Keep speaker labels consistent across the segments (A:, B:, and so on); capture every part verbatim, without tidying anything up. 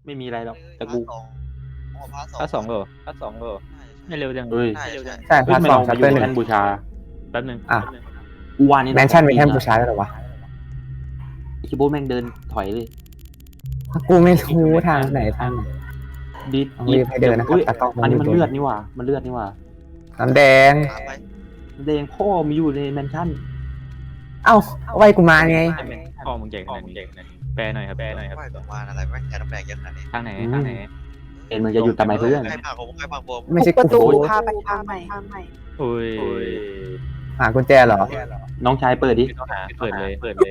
A: ไม่มีอะไรหรอกแต่กู
B: พาร์ทสองเหรอพาร์ทสองเหรอไม่เร็วจัง
A: เฮ้ย
B: ไม่เร็วจัง
C: ใช่พาร์ทสอง
A: มา
C: ชัป
A: อ
C: เตอยู่ ร์หนึ่ง
A: แท่นบูชา
B: แป๊บนึง
C: อ่ะ
A: กูว่านี่
C: แมนชั่นเป็นแท่นบูชาแล้วเหรอวะ
A: คิโบแม่งเดินถอยเลย
C: กูไม่รู้ทางไหนทางไหน
A: ดิด
C: ต้องรีบให้เดินนะครับ
A: อุ๊ย
C: ตากล้อง
A: อันนี้มัน
C: ต้องรีบ
A: เลือดนี่หว่ามันเลือดนี่หว่า
C: น้ำแดง
A: แดงพ่อมีอยู่ในแมนชั่น
C: เอ้าเอาไว้กูมาไง
B: พ่อมึงเก่งขนาดนี้แปลหน่อยครับแปลหน่อยครับ
D: ไม่ประมาณอะไรไม่แค่น้ำแดงเยอะขนาดนี้
B: ทางไหนทางไหน
A: เอ็นมึงจะหยุดทำไมเพื่อน
D: ใครพาผมใครพาผม
C: ไม่ใช่
E: ประ
C: กู
E: ตูพาไปทางใหม่
B: โอ้ย
C: หากุญแจเหรอ
A: น้องชายเปิดดิ
B: ต้องหาเปิดเลยเปิดเลย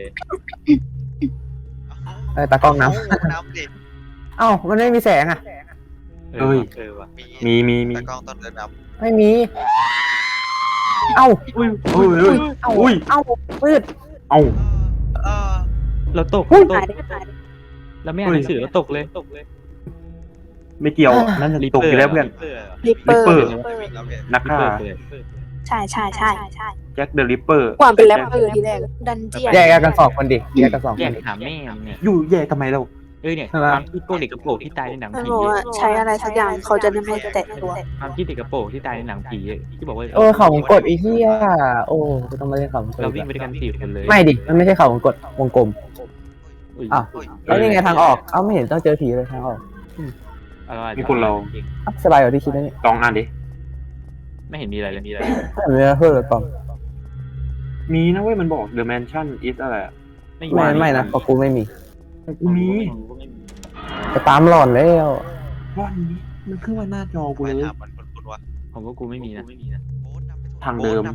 C: เออตากล้องน้
D: น้ำดิ
C: ำเอ้ามันไม่มีแสงอ่ะ
B: เออเออว่ะ
A: มีมีมี
D: ตะกล้องต้นเดินน้
C: ไม่มี เอ้า
A: อุ้ยอุ้ยอุ้ย
C: เอ้า
A: อุ้ย
C: เอ้ามืด
A: เอ้า
D: ำเออ
B: เราตก
C: อุ้ย
B: ตกเราไม่อ่านหนังสือเราตกเลยตกเลย
A: ไม่เกี่ยวนั่นจะตกอยู่แล้วเพื่อน
E: ริปเปอร์
A: Ripper
D: แล้วเนี่ย
A: นักฆ่า
E: ใช่ใช่ใช่ใช่
A: แจ็คเดอะริปเปอร์
E: ความเป็นแรปเปอร์ทีแรกดันเจียน
C: แยกกันสองคนดิแยกกันสอง
B: แย
C: ค
B: ก
C: นดิ
B: หาแม่เนี่ย
A: อยู่แย่ทำไมเรา
B: เออเนี่ย
C: ใช่ไหม
B: ความคิดโกเด็กกระโปรงที่ตายในหนัง
E: มัน
B: ผี
E: บอกว่าใช้อะไรสักอย่างเขาจะได้ไม่แตะตัว
B: ความคิดเด็กกระโปรงที่ตายในหนังผีที่บอกว่า
C: โอ้เขาวงกดไอ้เหี้ยโอ้กูต้องมาเล่นเขาวงกด
B: เราวิ่งไปด้วยกันสี่คนเลย
C: ไม่ดิมันไม่ใช่เขาวงกดวงกลม
B: อุ้ย
C: อ้าว แล้วนี่ไงทางออก เอ้าไม่เห็นต้องเจอผีเลยทางออก
B: อะไร
A: มีคนเรา
C: อ่ะสบายกว่าที่คิดนะเนี่ย
A: ลองอ่านดิ
B: ไม่เห็นมีอะไรเลยมีอะไร
C: ไม่มีเพื่อนหรือเปล่า
A: มีนะเว้ยมันบอก The Mansion is อะไรอะ
B: ไม่
C: ไม่ไม่นะเพราะกูไม่มี
A: กูมี
C: ไปตามหลอนแล้ว
A: วันนี้มันขึ้นมาหน้าจอกู
D: ไม่
A: เลย
D: ถามมันคนคนวะ
B: ผมก็กูไม่มีนะ
A: ทางเดิม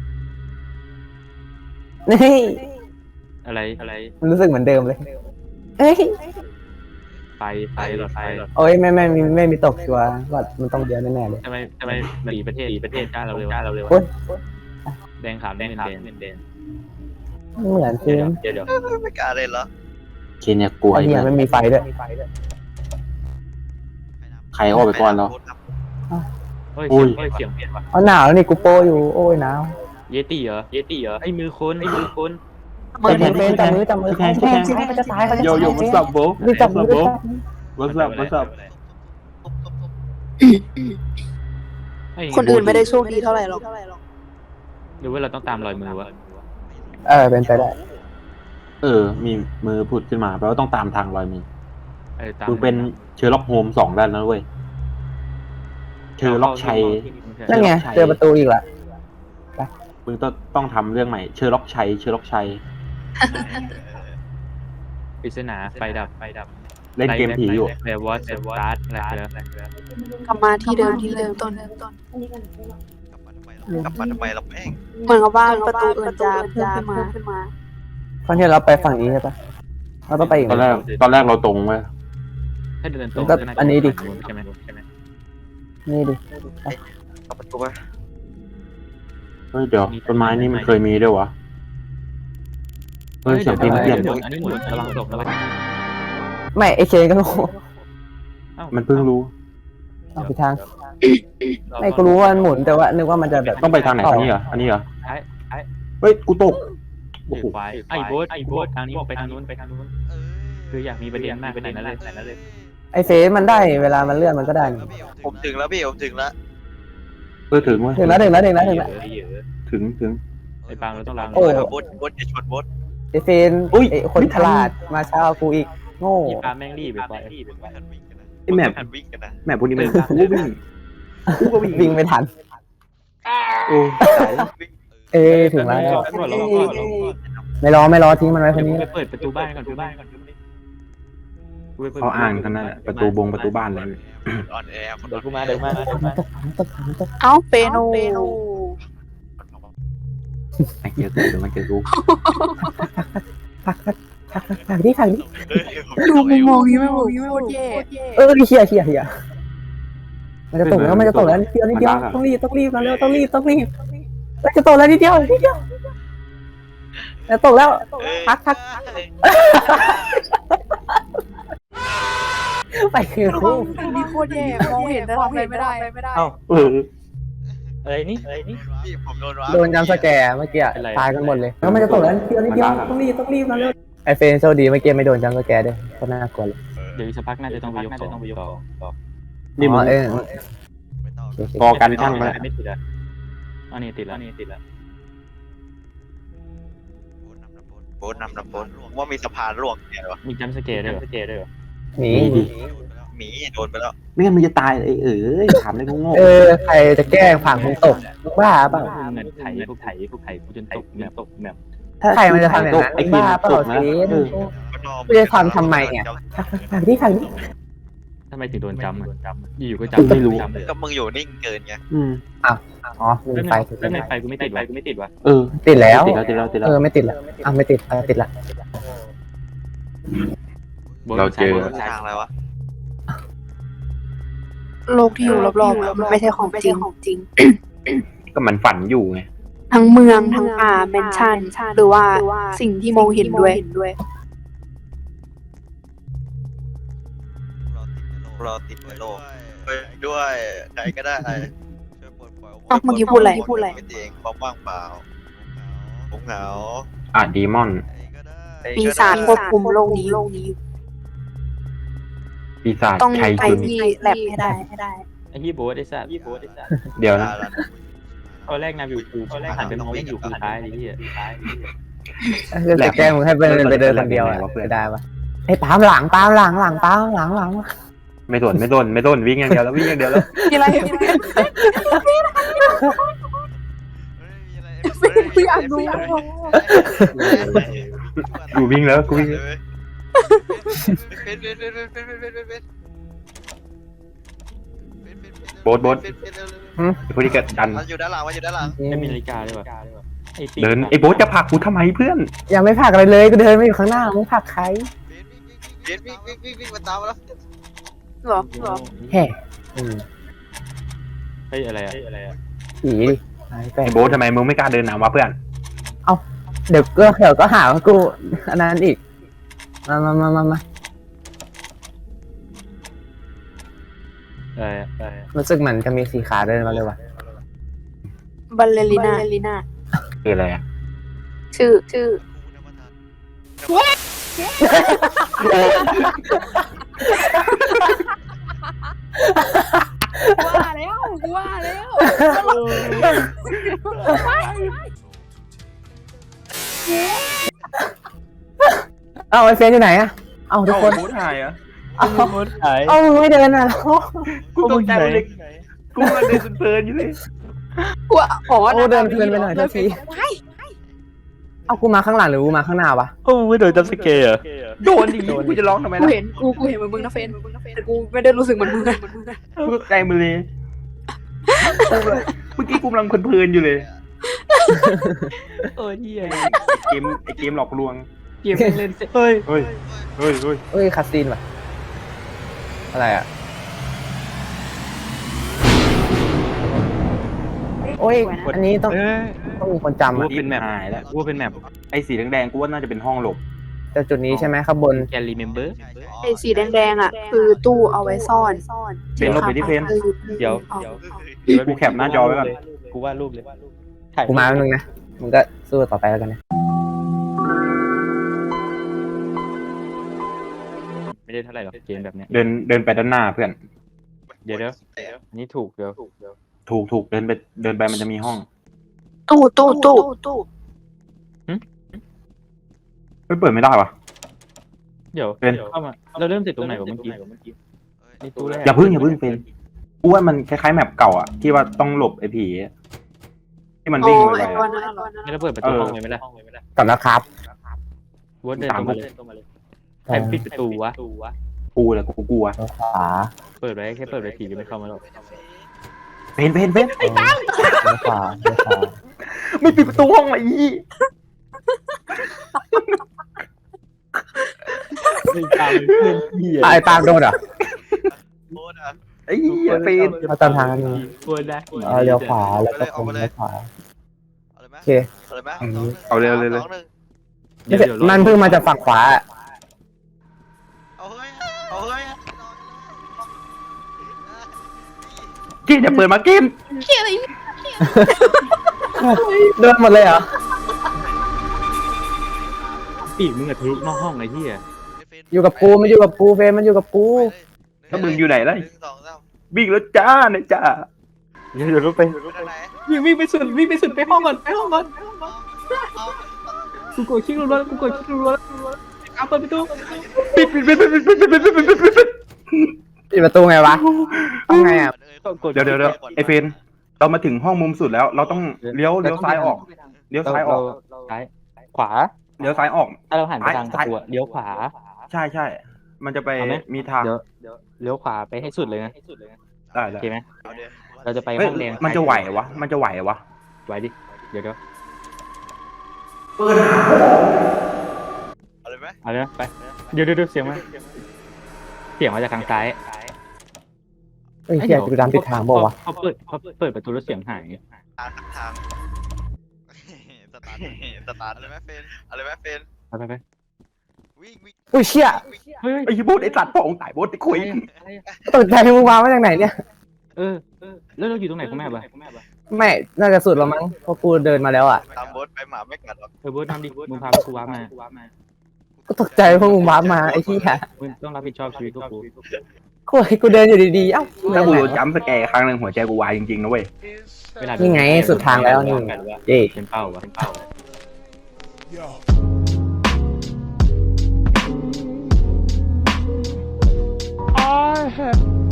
C: นี่
B: อะไรอะไร
C: มันรู้สึกเหมือนเดิมเลยเอ้ย
B: ไฟไฟหลอดไฟหลอด
C: โอ้ยไม่ไม่ไม่ไม่มีตกชัวร์ว่ามันต้องเยอะแน่ๆเลย
B: ทำไมทำไมสีประเทศสีประเทศกล้าเราเร็วกล้าเราเร็ว
C: โอ๊ย
B: แดงขาวแดงขาวแดงแดง
C: เหมือน
B: เดี๋
C: คื
B: ยว
C: อ
B: เดี๋ยวเดี๋ยว
D: ไม่กล้าเลยเหรอ
A: เคเนี่ยกลัว
C: ไอ้
A: ไอ้
C: เหี้ย
A: เพื่อน
C: ไม่มีไฟด้วย
A: ใครเข้าไปก่อนเรา
B: เฮ้ย
A: อุ้
B: เสีย
A: ย
B: งเฮ้ยเสียงเปลี่ยนว่ะ
C: เอาหนาวแล้วนี่กูโปอยู่โอ้ยหนาว
B: เยติเหรอเยติเหรอไอ้มือคนไอ้มือคน
C: มือเฟนจับมือจับมือเขาจะเขาจะตายเขาจะ
A: โย
C: ตาย
A: โย่ what's up bro
C: รีบจับมือ
A: what's up bro what's up what's up
E: คนอื่นไม่ได้โชคดีเท่าไหร่หรอก
B: หรือว่าเราต้องตามรอยมือวะ
C: เออเป็นไปได้
A: เออ มีมือผุดขึ้นมาแปลว่าต้องตามทางรอยมือ
B: เออตาม
A: มึงเป็นเชอร์ล็อกโฮมสองด้านแล้วเว้ยเชอร์ล็อกชัย
C: นั่นไงเจอประตูอีกละ
A: มึงต้องต้องทำเรื่องใหม่เชอร์ล็อกชัยเชอร์ล็อกชัย
B: ปริศนาไฟดับไฟดับ
A: เล่นเกมผีอยู่
B: แวร์วอตแวร์วอตอะไรแล้ว
E: กลับมาที่เดิมที่เริ่มต้น
D: กลับมาทำไมเราแม่ง
E: เหมือนกับว่าประตูอื่นจะเพิ่มขึ้นมา
C: ครั้งที่เราไปฝั่งนี้ใช่ปะเราต้องไปอีก
A: ตอนแรกตอนแรกเราตรงเว้ย
B: ถ้าเดินตรง
C: ก็อันนี้ดิ
B: ใช่ไหมใช่ไหม
C: นี่ดิ
D: กลับประตูไป
A: เฮ้ยเดี๋ยวต้นไม้นี่มันเคยมีด้วยวะเฮ้ยเสียงเพลงเปลี่ยน
B: อันนี้หมุนระวังตกระวัง
C: ไม่ไอเคนก็รู้
A: มันเพิ่งรู้
C: เอาไปทาง ไม่กูรู้ว่ามันหมุนแต่ว่านึกว่ามันจะแบบ
A: ต้องไปทางไหนทางนี้เหรออันนี้เหรอ
B: ไอ้ไอ้
A: เฮ้ยกูตกโอ้โห
B: ไฟไอ้โบ๊ทไอ้โบ๊ททางนี้ไปทางนู้นไปทางนู้นคืออยากมีประเด็นมากไปไหนนั่นเลยไหนนั่นเลย
C: ไอเฟซมันได้เวลามันเลื่อนมันก็ได้
D: ผมถึงแล้วพี่ผมถึงแล้ว
A: เออถึงเว้ย
C: ถึงแล้วถึงแล้วถึงแล้วถึงแล้ว
A: ถึงถึง
B: ไอ้ปางเราต้องลอง
C: โอ้
D: บดบดอย่าชนบด
C: ไอเฟนไอคนฉลาดมาเช้ากูอีกโง่
B: พี่ปางแม่งรีบไปไป
A: ไอแมป
D: หันวิ่งกันนะ
A: แมปพวกนี้มันกูก็วิ่งกูก็วิ่ง
C: วิ่งไม่ทัน
A: โอ้ตาย
C: เอ้ถึงแล้ว ไม่รอไม่รอทิ้งมันไว้คนนี้
B: ไปเปิดประตูบ้านก่อนประตูบ้านก่อน
A: เขาอ่านกันนั่นแหละประตูบงประตูบ้านเลย
D: ออนแอร์คน
B: เดี๋ยวกูมาเดี๋ยวมา
C: ตกตกตก
E: เอ้าเปโน
A: ไม่เจอกูเดี๋ยวมันเจอกู
C: ผักนี่ผักนี่
E: ดูมุมมองนี้ไม่บอกโคตรแย่
C: เออเฮียเฮียเฮียมันจะตกแล้วมันจะตกแล้วนิดเดียวนิดเดียวต้องรีบต้องรีบมาเร็วต้องรีบต้องรีบมันจะตกแล้วนิดเดียวนิดเดียวจะตกแล้วพักพักไปคือ
E: ดูมีโคตรแย่มองเห็นแต่ทำอะไรไม่ได้ไม่ได้
B: เอ้า
A: เออ
B: อะไรนี่อะไรนี่
D: พี่ผมโดนวะ
C: โดนจำสแกร์เมื่อกี้ตายกันหมดเลยแล้วมันจะตกแล้วนิดเดียวนิดเดียวต้องรีบต้องรีบมาเร็วไอเฟนโชคดีเมื่อกี้ไม่โดนจำสแกร์ด้วยก็น่ากลัวเลย
D: เออ
B: เดี๋ยวอีกสักพักน่าจะต้องไปยกของต่อต่อ
A: นี่มึง
C: อ๋อเออ
D: ไม่ต้อง
A: พอกันช่างไป
B: ไม่ติดแล้วอันนี้ติดแล้วนี่ติดแล้ว
D: โบนนำนะโบนว่ามีสะพานร่วงเนี่ยหรอ
B: มีจัมป์สเกร์ด้วยเหรอสเกร์ด้วยเหรอ
C: หนี
D: หมีโดนไปแล้ว
A: ไม่งั้นมึงจะตายไอ้เอ๋ยถามเลยโง่
C: เออใครจะแกล้งผักมึงตกบ้าเปล่า
B: เงินไถพวกไถพวกไถกูจนตกแบบตกแบบ
C: ใครมันจะทำอย่างนั้น
A: ไอ้
C: บ้า
A: บ้า
C: เปล่า
A: ตกนะ
C: เซน
A: เออ
C: ไม่ได้ทำทำไมเนี่ยผักที่ผักที่
B: ทำไมถึงโดนจำอ่ะอยู่ๆก็
A: กู
B: จำ
A: ไม่รู้
B: จำเลย
D: ก็มึงอยู่นิ่งเกินไง
A: อืม
C: อ๋อลืม
B: ไป
C: ไป
B: แล้วในไฟกูไม่ติดวะกูไม่ติดวะ
A: เออ
C: ติดแล้ว
A: ติดแล้วติดแล้วติดแล้ว
C: เออไม่ติดละอ่ะไม่ติดอ่ะติดละ
A: เราเจอ
D: ทางอะไรวะ
E: โลกที่อยู่รอบๆอะมันไม่ใช่ของจริงของจริง
A: ก็มันฝันอยู่ไง
E: ทั้งเมืองทั้งป่าแมนชั่นหรือว่าสิ่งที่มองเห็นด้วย
D: เราติดในโลกด้วยใครก็ได้
E: อ้าวเมื่อกี้พูดอะไรพูดอะไร
D: ไม่เองความว่างเปล่าผมเหงา
A: อ่ะดีมอน
E: ปีศาจควบคุมโลกนี้โลกนี้
A: ปีศาจ
E: ต้อง
A: ชัย
E: ไป
A: จุน
E: ที่แลบให้ได้ให้ได้
B: ไอ้ยี่โบ๊ทไอ้สัตว์ยี่โบ๊ทไอ้สัตว์
A: เดี๋ยวนะ
B: ตอนแรกนำอยู่กูหันไปมองไม่อยู่กูท้ายดิที่
C: คือจะแกล้งมึงให้ไปไปเดินคนเดียวอ่ะไม่ได้ปะไอ้ปามหลังปามหลังหลังปามหลังหลัง
A: ไม่สนไม่สนไม่สนวิ่งอย่างเดียวแล้ววิ่งอย่างเดียวแล้ว
E: มีอะไรกูอยากดู
A: กูวิ่งแล้วกูวิ่ง โบ๊ทโบ๊ท ไอ้พวกนี้ก็ดัน
D: มันอยู่ด้านหลังมันอยู่ด้านหลัง
B: ไม่มีนาฬิกาเลยว่ะไอ้ปี
A: เดินไอ้โบ๊ทจะผลักกูทำไมเพื่อน
C: ยังไม่ผลักอะไรเลยก็เดินมาอยู่ข้างหน้ามึงผลักใคร
D: วิ่งวิ่งวิ่งวิ่งวิ่งมาตามมาแล้ว
E: หรอหรอ
C: แห่อืม
B: เฮ้ยอะไรอะอะไรอะ
C: ผีดิหายไป
A: ไอ้โบ๊ททำไมมึงไม่กล้าเดินนำวะเพื่อน
C: เดี๋ยวก็เดี๋ยวก็หาว่ากูอันนั้นอีกมามามามามา
B: อะไรอะอะไร
C: รู้สึกเหมือนจะมีสีขาเดินมาเลยว่ะ
E: บัลเลริน่า
A: คืออะไรอ่ะ
E: ชื่อชื่อ ว่าแล้วว่าแล้ว
C: เอาไอ้เฟนอยู่ไหนอะเอาทุกคน
A: โบ๊ทหายอ่ะ
C: เอา
B: โบ๊ทหาย
C: เอามึงไม่เดินอ่ะ
A: กูตกใจเลยกูมันเดินเพลินอยู่เลย
E: กูอ๋อ
C: โอ้เดินเพลินไปหน่อยเท่าทีเอากูมาข้างหลังหรือกูมาข้างหน้าวะ
B: โอ้ไม่โดนจัมป์สเกร์เหรอ
A: โดนดิกูจะร้องทำไม
E: กู
A: ล่ะ
E: เห็นกูกูเห็นเหมือนมึงนะเฟนแต่กูไม่ได้รู้สึกเหมือนมึง
A: กูตกใจมึงเลยเมื่อกี้กูกำลังเพลินๆอยู่เลย
B: เออเหี้ย
A: เกมไอ้เกมหลอกลวง
B: เกมเล่นเฮ้ย
A: เฮ้ยเฮ้ยเฮ้ย
C: เอ้ยคาซีนว่ะอะไรอ่ะโอ้ยอันนี้ต้อง
B: เอ้ย
C: ต้องมีคนจำ
B: กู
C: อ่ะ
B: ว่าเป็นแมป
A: หายแล้ว
B: กูว่าเป็นแมป
A: ไอ้สีแดงๆกูว่าน่าจะเป็นห้องหลบ
C: แต่จุดนี้ใช่ไหมข้างบน
B: แกลลี่เมมเบอร์
E: ไอ้สีแดงๆอ่ะคือตู้เอาไว้ซ่อน
A: เป็นลบไปที่เพน
B: เดี๋ยว
A: เดี๋ยวกูแคปหน้าจอไว้ก่อน
B: กูวาดรูปเลย
C: กูมาแป๊บนึงนะมึงก็สู้ต่อไปแล้วกันนะ
B: ไม่ได้เท่าไหร่หรอกเกมแบบเนี้ย
A: เดินเดินไปด้านหน้าเพื่อน
B: เดี๋ยวเดี๋ยวอันนี้ถูกเดี๋ยว
A: ถูกถูกเดินไปเดินไปมันจะมีห้อง
E: ตู้ตู้ตู้ตู้
A: ไม่เปิดไม่ได้วะ
B: เดี๋ยว
A: เป็น
B: เข้ามาเราเริ่มจากตรงไหนวะเมื่อกี้นี่ตู้แรก
A: อย่าพึ่งอย่าพึ่งเป็นกูว่ามันคล้ายๆแมปเก่าอ่ะที่ว่าต้องหลบไอ้ผีที่มันวิ่งไป
E: ไอ้
A: อะ
E: ตัวนั้น
B: งั้นเราเปิดประตูห้องเลยไหมล่ะ
C: กลับแล้วครับ
B: วอดเดินตรงมาเลยใครปิดประตูวะ
A: กูแหละกูกลัว
C: ทางขวา
B: เปิดไว้แค่เปิดไว้ผีจะไม่เข้ามาหรอก
A: เป็นเป็นเป็น
C: ทางขวาทางขวา
A: ไม่ปิดประตูห้องเลยอี
B: ไอ้ตามเพื่อนพี่
C: อ่ะไอ้ปาล์มโดนเหรอ
D: โคตรอ่ะ
A: ไอ้เหี้ยเป็น
C: เอาตามทางนี้
B: กลัวได้
C: เออเลี้ยวขวาแล้วก็ตรงเลี้ยวขวา
D: เอาเลยไหม
C: โอเค
D: เอาเลยไหม
A: เอาเร็วเลยเลย
D: สองหนึ่ง
C: ไม่ใช่มันเพิ่งมาจากฝั่งขวา
D: เอาเฮ้ยเอาเฮ้ย
A: เกมจะเปิดมาเกม
C: เดินหมดเลยเหรอ
B: ปีกมึงอะทะลุนอกห้องไอ้ที่อะ
C: อยู่กับกูมันอยู่กับกูเฟรมมันอยู่กับกู
F: แล้วมึงอยู่ไหนล่ะ
D: หนึ่งสองสาม
F: วิ่งแล้วจ้าเนี่ยจ้า
A: เดี๋ยวเดี๋ยวรถไป
D: ไปทางไหน
B: วิ่งวิ่งไปสุดวิ่งไปสุดไปห้องก่อนไปห้องก่อน
D: เอา
B: กูกดคลิกรัวๆกูกดคลิกรัวๆเอาเปิดประตู
F: ปิดปิดปิดปิดปิดปิดปิดปิดปิดปิดปิด
C: ปิดประตูไงวะเอาไงอ่ะ
B: กด
F: เดี๋ยวเดี๋ยวเดี๋ยวไอเฟนเรามาถึงห้องมุมสุดแล้ว เราต้องเลี้ยวเลี้ยวซ้ายออกเลี้ยวซ้ายออก
B: ซ้ายขวา
F: เลี้ยวซ้ายออก
B: ถ้าเราหันไปทางประ
F: ซ้าย
B: ตูเลี้ยวขวา
F: ใช่ใช่ มันจะไป
B: เอาไหม
F: มีทาง
B: เดี๋ยวเลี้ยวขวาไปให้สุดเลยนะ
F: ได้
B: โอ
F: ได้
B: เคไหม
D: เอาเดี๋ยว
B: เราจะไป
F: เฮ้ย
B: ห้องแดง
F: มันจะไหววะ มันจะไหววะ
B: ไหวดิเดี๋ยวเดี๋ยว
D: เอาเลยไหม
B: เอาเลยนะไปเดี๋ยวเดี๋ยวเดี๋ยวเสียงมาเสียงมาจากทางซ้าย
C: เฮ้ยเฮียกูดันผิดทางบอกวะ
B: เขาเปิดเขาเปิดประตูแล้วเสียงหาย
D: ทางทางสตาร์ทสตาร์ทอะไรไหมเฟนอะไรไหมเฟน
B: ไปไปไป
D: วิ่งวิ่ง
C: อุ้ยเชี่ย
B: เฮ้ย
F: ไอ้บูดไอ้สัตว์พ่อองค์ตายบูดไอ้คุย
C: ตกใจมึงวางมาจากไหนเนี่ย
B: เออแล้วเราอยู่ตรงไหนคุณแม่บ้าง
C: ไม่น่าจะสุดแล้วมั้งเพราะกูเดินมาแล้วอ่ะ
D: ตามโบ๊ทไปหมาไม่กัดหรอก
B: เออเบิร์ดทำดิมึงพาไปกูว้ามา
C: ก็ตกใจพวกมึงวาร์ปมาไอ้เหี้ย
B: มึงต้องรับผิดชอบชีวิตพวกกู
C: กูกูเดินอยู่ดีๆเอ้า
F: ถ้ากูจำสแกร์ครั้งหนึ่งหัวใจกูวายจริงๆนะเว้ย
B: เวลา
C: นี่ไงสุดทางแล้วนี่เจ๊
B: เป็นเป้าวะเป็นเป้า
G: I have